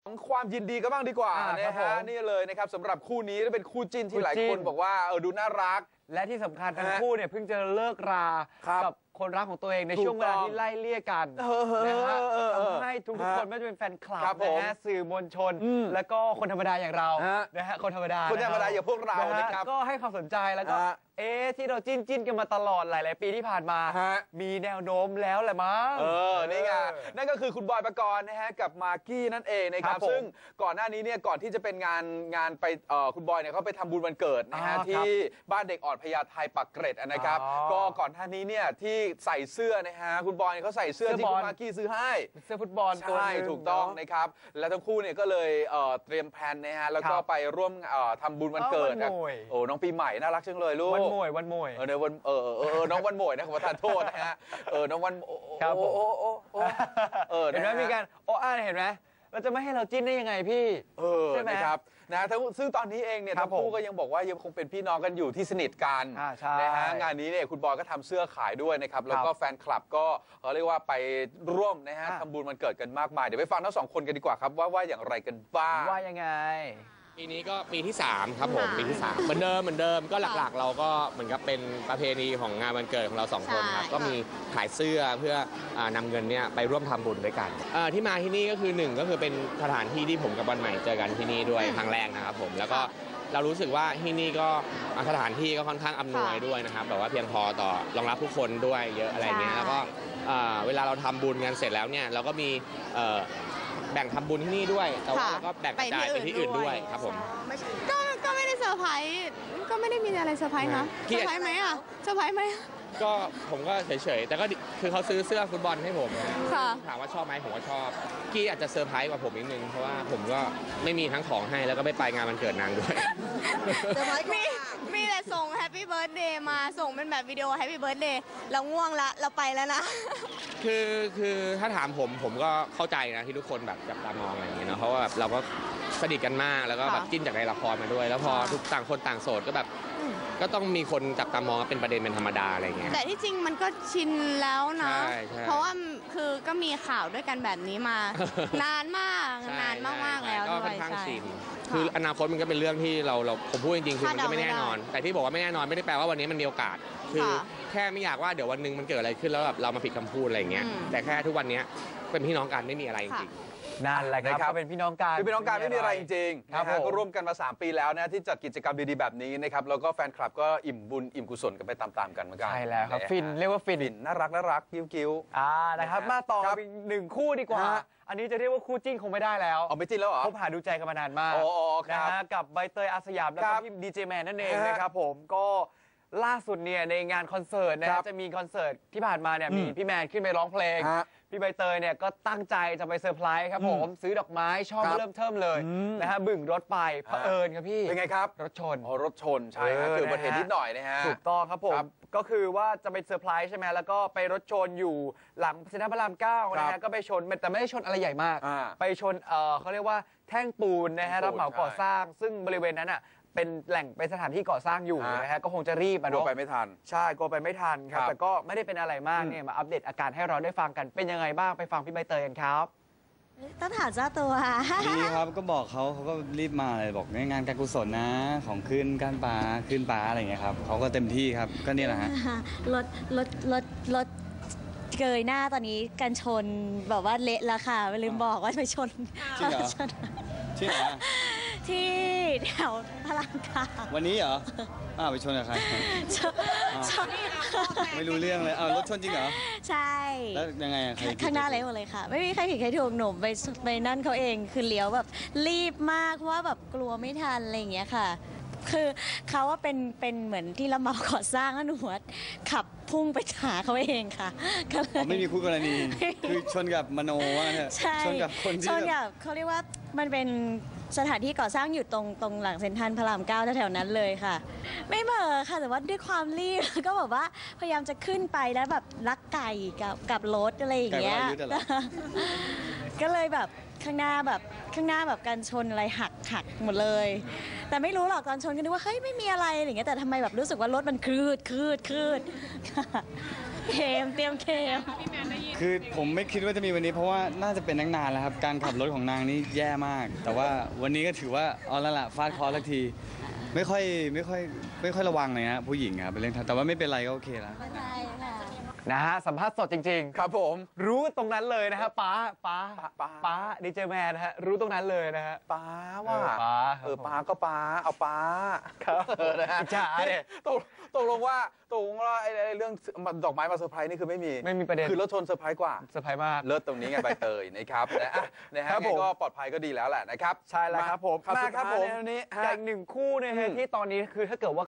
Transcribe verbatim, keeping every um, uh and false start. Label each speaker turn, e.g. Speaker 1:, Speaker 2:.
Speaker 1: ความยินดีกันบ้างดีกว่านะฮะนี่เลยนะครับสำหรับคู่นี้เป็นคู่จิ้นที่หลายคนบอกว่าเออดูน่ารัก
Speaker 2: และที่สำคัญทั้งคู่เนี่ยเพิ่งจะเลิกรากับคนรักของตัวเองในช่วงเวลาที่ไล่เลี่ยกันนะฮะทำให้ทุกๆคนไม่ว่าจะเป็นแฟนคลับนะฮะสื่อมวลชนแล้วก็คนธรรมดาอย่างเรานะฮะคนธรรมดา
Speaker 1: คนธรรมดาอย่างพวกเรานะครับ
Speaker 2: ก็ให้ความสนใจแล้วก็เอ๊ะที่เราจิ้นจิ้นกันมาตลอดหลายๆปีที่ผ่านมามีแนวโน้มแล้วแหละมั้ง
Speaker 1: เออนี่ไงนั่นก็คือคุณบอยปกรณ์นะฮะกับมากกี้นั่นเองนะครับซึ่งก่อนหน้านี้เนี่ยก่อนที่จะเป็นงานงานไปเอ่อคุณบอยเนี่ยเขาไปทำบุญวันเกิดนะฮะที่บ้านเด็กอ่อนพญาไทปักเกร็ดนะครับก็ก่อนหน้านี้เนี่ยที่ใส่เสื้อนะฮะคุณบอยเขาใส่เสื้อที่คุณมากกี้ซื้อให้
Speaker 2: เสื้อฟุตบอล
Speaker 1: ใช่ถูกต้องนะครับและทั้งคู่เนี่ยก็เลยเอ่อเตรียมแพลนนะฮะแล้วก็ไปร่วมเอ่อทำบุญวันเกิดโอ้น้องปีใหม่น่ารักจังเลยลูก
Speaker 2: วันโมยวันโมย
Speaker 1: เออวันเออเออน้องวันโมยนะขอประทานโทษนะฮะเออน้องวัน
Speaker 2: ครับผมโอ้โอ้
Speaker 1: โอ้เออ
Speaker 2: เห็นไหมมีการโอ้อ่าเห็นไหมเราจะไม่ให้เราจิ้นได้ยังไงพี่
Speaker 1: เออนะครับนะซึ่งตอนนี้เองเนี่ยทั้งคู่ก็ยังบอกว่ายังคงเป็นพี่น้องกันอยู่ที่สนิทกันนะฮะงานนี้เนี่ยคุณบอยก็ทำเสื้อขายด้วยนะครับแล้วก็แฟนคลับก็เขาเรียกว่าไปร่วมนะฮะทำบุญวันเกิดกันมากมายเดี๋ยวไปฟังทั้งสองคนกันดีกว่าครับว่าว่าอย่างไรกันบ้าง
Speaker 2: ว่ายังไง
Speaker 3: ปีนี้ก็ปีที่สามครับผมปีที่สามเหมือนเดิมเหมือนเดิมก็หลักๆเราก็เหมือนกับเป็นประเพณีของงานวันเกิดของเราสองคนครับก็มีขายเสื้อเพื่อนำเงินเนี่ยไปร่วมทำบุญด้วยกันที่มาที่นี่ก็คือหนึ่งก็คือเป็นสถานที่ที่ผมกับวันใหม่เจอกันที่นี่ด้วยครั้งแรกนะครับผมแล้วก็เรารู้สึกว่าที่นี่ก็สถานที่ก็ค่อนข้างอำนวยด้วยนะครับแบบว่าเพียงพอต่อรองรับผู้คนด้วยเยอะอะไรเงี้ยแล้วก็เวลาเราทำบุญกันเสร็จแล้วเนี่ยเราก็มีแบ่งทำบุญที่นี่ด้วยแต่ว่าก็แบ่งกระจายไปที่อื่นด้วยครับผม
Speaker 4: ก็ก็ไม่ได้เซอร์ไพรส์ก็ไม่ได้มีอะไรเซอร์ไพรส์นะเซอร์ไพรส์ไหมอ่ะเซอร์ไพรส์ไหม
Speaker 3: ก็ผมก็เฉยๆแต่ก็คือเขาซื้อเสื้อฟุตบอลให้ผมถามว่าชอบไหมผมก็ชอบกี้อาจจะเซอร์ไพรส์กว่าผมนิดนึงเพราะว่าผมก็ไม่มีทั้งของให้แล้วก็ไม่ไปงานวันเกิดนางด้วย
Speaker 4: มีมีแต่ส่งแฮปปี้เบิร์ดเดย์มาส่งเป็นแบบวิดีโอแฮปปี้เบิร์ดเดย์เราง่วงละเราไปแล้วนะ
Speaker 3: คือคือถ้าถามผมผมก็เข้าใจนะที่ทุกคนแบบจับตามองอะไรอย่างเงี้ยเนาะเพราะว่าแบบเราก็สนิทกันมากแล้วก็แบบจิ้นจากในละครมาด้วยแล้วพอทุกต่างคนต่างโสดก็แบบก็ต้องมีคนจับตามองเป็นประเด็นเป็นธรรมดาอะไรเงี้ย
Speaker 4: แต่ที่จริงมันก็ชินแล้วนะเพราะว่าคือก็มีข่าวด้วยกันแบบนี้มา นานมากนานมากๆแล้ว
Speaker 3: ก็ค่อนข้างชินคืออนาคตมันก็เป็นเรื่องที่เราเราผมพูดจริงๆคือมันก็ไม่แน่นอนแต่ที่บอกว่าไม่แน่นอนไม่ได้แปลว่าวันนี้มันมีโอกาสคือแค่ไม่อยากว่าเดี๋ยววันนึงมันเกิดอะไรขึ้นแล้วแบบเรามาผิดคำพูดอะไรเงี้ยแต่แค่ทุกวันนี้เป็นพี่น้องกันไม่มีอะไรจริง
Speaker 2: นั่นแหละครับก็เป็นพี่น้องกัน
Speaker 1: คือพี่น้องกันไม่มีอะไรจริงๆนะฮะก็ร่วมกันมาสามปีแล้วนะที่จัดกิจกรรมดีๆแบบนี้นะครับแล้วก็แฟนคลับก็อิ่มบุญอิ่มกุศลกันไปตามๆกันเหมือนกัน
Speaker 2: ใช่แล้วครับฟินเรียกว่าฟิน
Speaker 1: น่ารักน่ารักกิ้วกิ้ว
Speaker 2: อ่านะครับมาต่ออีกหนึ่งคู่ดีกว่าอันนี้จะเรียกว่าคู่จิ้นคงไม่ได้แล้ว
Speaker 1: อ๋อไม่จิ้นแล้วเหรอ
Speaker 2: คบหาดูใจกันมานานมากนะฮะกับใบเตยอาสยามแล้วก็พี่ดีเจแมนนั่นเองนะครับผมก็ล่าสุดเนี่ยในงานคอนเสิร์ตนะจะมีคอนเสิร์ตที่ผ่านมาเนี่ยมีพี่แมนขึ้นไปร้องเพลงพี่ใบเตยเนี่ยก็ตั้งใจจะไปเซอร์ไพรส์ครับผมซื้อดอกไม้ช่อเริ่มเทิมเลยนะฮะบึ่งรถไปเผอิญครับพี่
Speaker 1: เป็นไงครับ
Speaker 2: รถชน
Speaker 1: อ๋อรถชนใช่ครับเกิดอุบัติเหตุนิดหน่อยนะฮะ
Speaker 2: ถูกต้องครับผมก็คือว่าจะไปเซอร์ไพรส์ใช่ไหมแล้วก็ไปรถชนอยู่หลังเซ็นทรัลพระรามเก้านะฮะก็ไปชนแต่ไม่ได้ชนอะไรใหญ่มากไปชนเออเขาเรียกว่าแท่งปูนนะฮะรับเหมาก่อสร้างซึ่งบริเวณนั้นอ่ะเป็นแหล่งเป็นสถานที่ก่อสร้างอยู่นะฮะก็คงจะรีบ
Speaker 1: อะเนาะไปไม่ทัน
Speaker 2: ใช่กลัวไปไม่ทันครับแต่ก็ไม่ได้เป็นอะไรมากเนี่ยมาอัปเดตอาการให้เราได้ฟังกันเป็นยังไงบ้างไปฟังพี่ใบเตยกันครับ
Speaker 4: ต้องถามเจ้าตัว
Speaker 5: ดีครับก็บอกเขาเขาก็รีบมาเลยบอกงานการกุศลนะของขึ้นการปลาขึ้นปลาอะไรอย่างเงี้ยครับเขาก็เต็มที่ครับก็นี่แหละฮะ
Speaker 4: รถรถรถรถเกยหน้าตอนนี้กันชนแบบว่าเละแล้วค่ะไม่ลืมบอกว่าไปชน
Speaker 5: จริงเหรอที่ไหน
Speaker 4: ที่แถวพระรามเก้า
Speaker 5: วันนี้เหรออ้าวไปชนกับใครไม่รู้เรื่องเลยอ้าวรถชนจริงเหรอ
Speaker 4: ใช่
Speaker 5: แล้วยังไง
Speaker 4: ข้างหน้าเลยหมดเลยค่ะไม่มีใครผิดใครถูกหนุ่มไปไปนั่นเขาเองคือเลี้ยวแบบรีบมากเพราะว่าแบบกลัวไม่ทันอะไรอย่างเงี้ยค่ะคือเขาว่าเป็นเป็นเหมือนที่รับเหมาก่อสร้างแล้วหนูขับพุ่งไปหาเขาเองค่ะ
Speaker 5: ไม่มีคู่กรณีคือชนกับมโนว่าเนี่ยชนกับคนที่
Speaker 4: ชนกับเขาเรียกว่ามันเป็นสถานที่ก่อสร้างอยู่ตรงตรงหลังเซ็นทรัลพระรามเก้าแถวๆนั้นเลยค่ะไม่เบอค่ะแต่ว่าด้วยความรีบก็แบบว่าพยายามจะขึ้นไปแล้วแบบลักไก่กับกับรถอะไรอย่างเงี้ยก็เลยแบบข้างหน้าแบบข้างหน้าแบบการชนอะไรหักหักหมดเลยแต่ไม่รู้หรอกตอนชนก็นึกว่าเฮ้ยไม่มีอะไรอะไรอย่างเงี้ยแต่ทำไมแบบรู้สึกว่ารถมันคืดคืดคืดเคมเตรียมเคม
Speaker 5: คือผมไม่คิดว่าจะมีวันนี้เพราะว่าน่าจะเป็นตั้งนานแล้วครับการขับรถของนางนี่แย่มาก แต่ว่าวันนี้ก็ถือว่าเอาละละฟาดเคอสักทีไม่ค่อยไม่ค่อยไม่ค่อยระวังเลยฮะผู้หญิงครับเป็นเรื่องแต่ว่าไม่เป็นไรก็โอเคแล้ว
Speaker 4: ใช่ค่ะ
Speaker 2: นะฮะสัมภาษณ์สดจริง
Speaker 1: ครับผม
Speaker 2: ๆ รู้ตรงนั้นเลยนะฮะป้าป้า
Speaker 1: ป๊า
Speaker 2: ป้าดีเจแมนนะฮะรู้ตรงนั้นเลยนะฮะ
Speaker 1: ป้าว่า
Speaker 2: เออป๊า
Speaker 1: เออป้าก็ป้าเอาป้า
Speaker 2: ครับ
Speaker 1: เออนะฮะ
Speaker 2: อิจฉาเนี่ย
Speaker 1: ตกตกลงว่าตกลงว่าไอ้ไอ้เรื่องดอกไม้มาเซอร์ไพรส์นี่คือไม่มี
Speaker 2: ไม่มีประเด็น
Speaker 1: คือรถชนเซอร์ไพรส์กว่า
Speaker 2: เซอร์ไพรส์มาก
Speaker 1: เลิศตรงนี้ไงใบเตยนะครับนะอ่ะนะฮะ
Speaker 2: ครับ
Speaker 1: ไง
Speaker 2: ผม
Speaker 1: ก็ปลอดภัยก็ดีแล้วแหละนะครับ
Speaker 2: ใช่แล้วครับผม
Speaker 1: ครับ
Speaker 2: มา
Speaker 1: สุด
Speaker 2: ครับ
Speaker 1: ท้าย
Speaker 2: ผม
Speaker 1: ในวันนี้ฮะ
Speaker 2: กับอีกหนึ่งคู่นะฮะ
Speaker 1: อืม
Speaker 2: ที่ตอนนี้คือถ้าเกิดว่า